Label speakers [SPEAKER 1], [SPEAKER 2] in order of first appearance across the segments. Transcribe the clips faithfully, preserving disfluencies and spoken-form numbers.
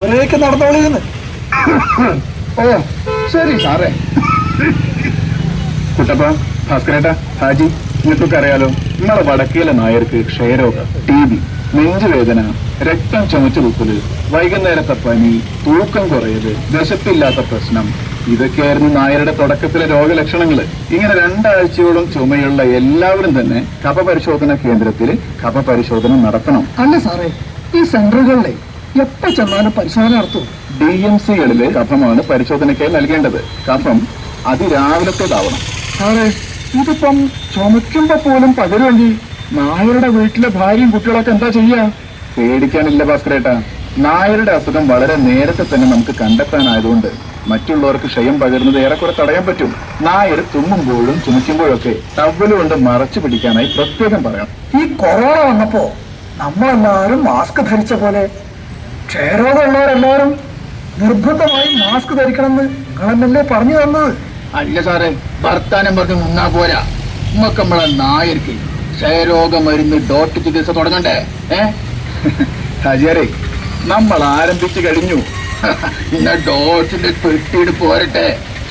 [SPEAKER 1] ഒരേക്ക് നടന്നോളിന്ന്.
[SPEAKER 2] ഓ ശരി സാറേ. കുട്ടപ്പ, ഭാസ്കരേട്ട, ഹാജി, നിങ്ങൾക്കൊക്കെ അറിയാലോ, നമ്മളെ വടക്കേലെ നായർക്ക് ക്ഷയരോഗം, ടി ബി, നെഞ്ചുവേദന, രക്തം ചുമച്ചു തുപ്പല്, വൈകുന്നേരത്തെ പനി, തൂക്കം കുറയല്, വിശപ്പില്ലാത്ത പ്രശ്നം, ഇതൊക്കെയായിരുന്നു നായരുടെ തുടക്കത്തിലെ രോഗലക്ഷണങ്ങള്. ഇങ്ങനെ രണ്ടാഴ്ചയോളം ചുമയുള്ള എല്ലാവരും തന്നെ കഫ പരിശോധന കേന്ദ്രത്തിൽ കഫ പരിശോധന നടത്തണം.
[SPEAKER 1] അല്ല സാറേ, ഈ സെന്ററുകളിലെ എപ്പോ ചെന്നാലും പരിശോധന നടത്തും.
[SPEAKER 2] ഡി എം സികളിലെ കഫമാണ് പരിശോധനയ്ക്കായി നൽകേണ്ടത്. കഫം അതിരാവിലത്തേതാവണം.
[SPEAKER 1] സാറേ, ഇതിപ്പം ചുമക്കുമ്പോ പോലും പകരുമെങ്കിൽ നായരുടെ വീട്ടിലെ ഭാര്യയും കുട്ടികളൊക്കെ എന്താ ചെയ്യാ?
[SPEAKER 2] പേടിക്കാനില്ല ഭാസ്കരേട്ടാ. നായരുടെ അസുഖം വളരെ നേരത്തെ തന്നെ നമുക്ക് കണ്ടെത്താനായതുകൊണ്ട് മറ്റുള്ളവർക്ക് ക്ഷയം പകരുന്നത് ഏറെക്കുറെ തടയാൻ പറ്റും. നായർ തുമ്മുമ്പോഴും ചുമക്കുമ്പോഴൊക്കെ ടവ്വല് കൊണ്ട് മറച്ചു പിടിക്കാനായി പ്രത്യേകം പറയണം.
[SPEAKER 1] ഈ കൊറോണ വന്നപ്പോ നമ്മളെല്ലാവരും മാസ്ക് ധരിച്ച പോലെ ക്ഷയരോഗമുള്ളവരെല്ലാവരും നിർബന്ധമായും മാസ്ക് ധരിക്കണമെന്ന് നിങ്ങളെന്നല്ലേ പറഞ്ഞു തന്നത്?
[SPEAKER 3] അല്ല സാറേ, വർത്താനം പറഞ്ഞ് മുന്നാ പോരാ. നമുക്ക് നമ്മളെ നായർക്ക് ക്ഷയരോഗ മരുന്ന് ഡോട്ട് ചികിത്സ തുടങ്ങണ്ടേ? ഏ
[SPEAKER 2] ഹാജിയാരെ, നമ്മൾ ആരംഭിച്ചു കഴിഞ്ഞു.
[SPEAKER 3] ഇന്ന ഡോട്ടിന്റെ പെട്ടിയിട്ട് പോരട്ടെ.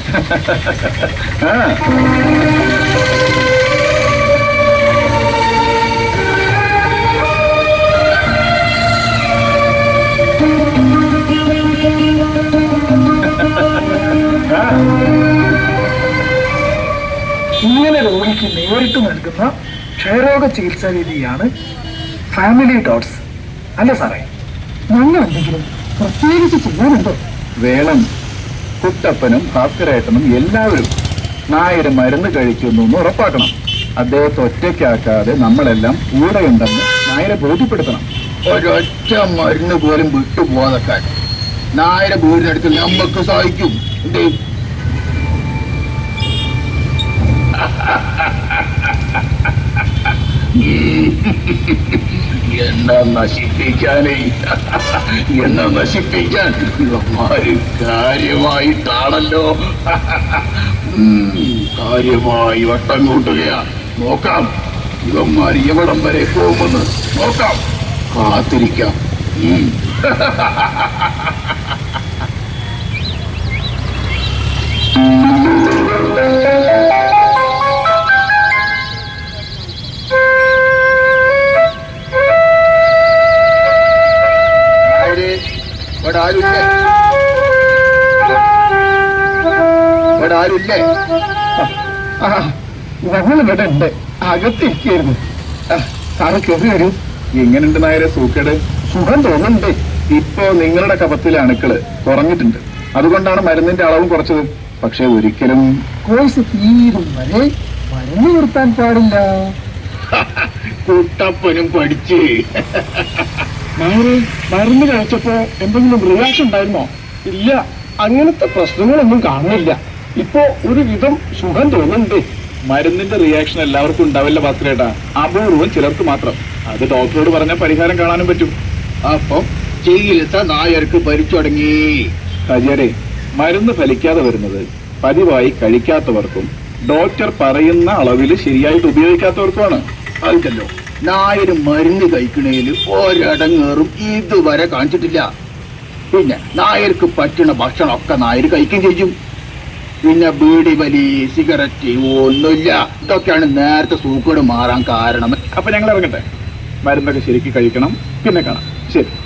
[SPEAKER 2] ആ
[SPEAKER 1] ഇങ്ങനെ രോഗിക്ക് നേരിട്ട് നൽകുന്ന ക്ഷയരോഗ ചികിത്സാ രീതിയാണ് ഫാമിലി ഡോട്ട്സ്. അല്ല സാറേ, ഞങ്ങൾ എന്തെങ്കിലും പ്രത്യേകിച്ച് ചെയ്യാനുണ്ടോ?
[SPEAKER 2] വേണം. കുട്ടപ്പനും ഭാസ്കരേട്ടനും എല്ലാവരും നായര് മരുന്ന് കഴിക്കുന്നു എന്ന് ഉറപ്പാക്കണം. അദ്ദേഹത്തെ ഒറ്റയ്ക്കാക്കാതെ നമ്മളെല്ലാം കൂടെയുണ്ടെന്ന് നായരെ ബോധ്യപ്പെടുത്തണം.
[SPEAKER 3] ഒരൊറ്റ മരുന്ന് പോലും വിട്ടുപോകാൻ നായരെ വീടിനടുത്ത് നമുക്ക് സഹായിക്കും. എന്തേ എന്നാ നശിപ്പിക്കാനേ എന്നാ നശിപ്പിക്കാൻ ഇവന്മാര് കാര്യമായിട്ടാണല്ലോ കാര്യമായി വട്ടം കൂട്ടുകയാ. നോക്കാം ഇവന്മാർ എവിടം വരെ പോകുമെന്ന് നോക്കാം. കാത്തിരിക്കാം. ഇവിടെ ആരുമില്ലേ? ഇവിടെ ആരുമില്ലേ?
[SPEAKER 1] ഞങ്ങൾ ഇവിടെ ഉണ്ട്, അകത്തിരിക്കായിരുന്നു. സാറ് കയറി വരൂ.
[SPEAKER 2] എങ്ങനെയുണ്ട് നായരെ സൂക്കേട്?
[SPEAKER 1] സുഖം തോന്നുന്നുണ്ട്.
[SPEAKER 2] ഇപ്പോ നിങ്ങളുടെ കഫത്തിലെ അണുക്കള് കുറഞ്ഞിട്ടുണ്ട്. അതുകൊണ്ടാണ് മരുന്നിന്റെ അളവും കുറച്ചത്. പക്ഷെ ഒരിക്കലും
[SPEAKER 1] കോഴ്സ് തീരും വരെ മരുന്ന് നിർത്താൻ പാടില്ല.
[SPEAKER 3] കുട്ടപ്പനും പഠിച്ച്
[SPEAKER 1] നായരെ, മരുന്ന് കഴിച്ചപ്പോ എന്തെങ്കിലും റിയാക്ഷൻ ഉണ്ടായിരുന്നോ? ഇല്ല, അങ്ങനത്തെ പ്രശ്നങ്ങളൊന്നും കാണുന്നില്ല. ഇപ്പോ ഒരു വിധം സുഖം തോന്നുന്നുണ്ട്.
[SPEAKER 2] മരുന്നിന്റെ റിയാക്ഷൻ എല്ലാവർക്കും ഉണ്ടാവില്ല ഭാസ്കരേട്ടാ, അപൂർവം ചിലർക്ക് മാത്രം. അത് ഡോക്ടറോട് പറഞ്ഞാൽ പരിഹാരം കാണാനും പറ്റും.
[SPEAKER 3] അപ്പം ചികിത്സ നായർക്ക് ഭരിച്ചു തുടങ്ങി.
[SPEAKER 2] ഹാജിയാരെ, മരുന്ന് ഫലിക്കാതെ വരുന്നത് പതിവായി കഴിക്കാത്തവർക്കും ഡോക്ടർ പറയുന്ന അളവിൽ ശരിയായിട്ട് ഉപയോഗിക്കാത്തവർക്കുമാണ്.
[SPEAKER 3] അതല്ലോ, നായര് മരുന്ന് കഴിക്കണേല് ഒരടങ്ങേറും ഇതുവരെ കാണിച്ചിട്ടില്ല. പിന്നെ നായർക്ക് പറ്റുന്ന ഭക്ഷണമൊക്കെ നായര് കഴിക്കുകയും ചെയ്യും. പിന്നെ ബീഡി, വലി, സിഗരറ്റ് ഒന്നുമില്ല. ഇതൊക്കെയാണ് നേരത്തെ സൂക്കേട് മാറാൻ കാരണം.
[SPEAKER 2] അപ്പൊ ഞങ്ങൾ ഇറങ്ങട്ടെ. മരുന്നൊക്കെ ശരിക്കും കഴിക്കണം. പിന്നെ കാണാം. ശരി.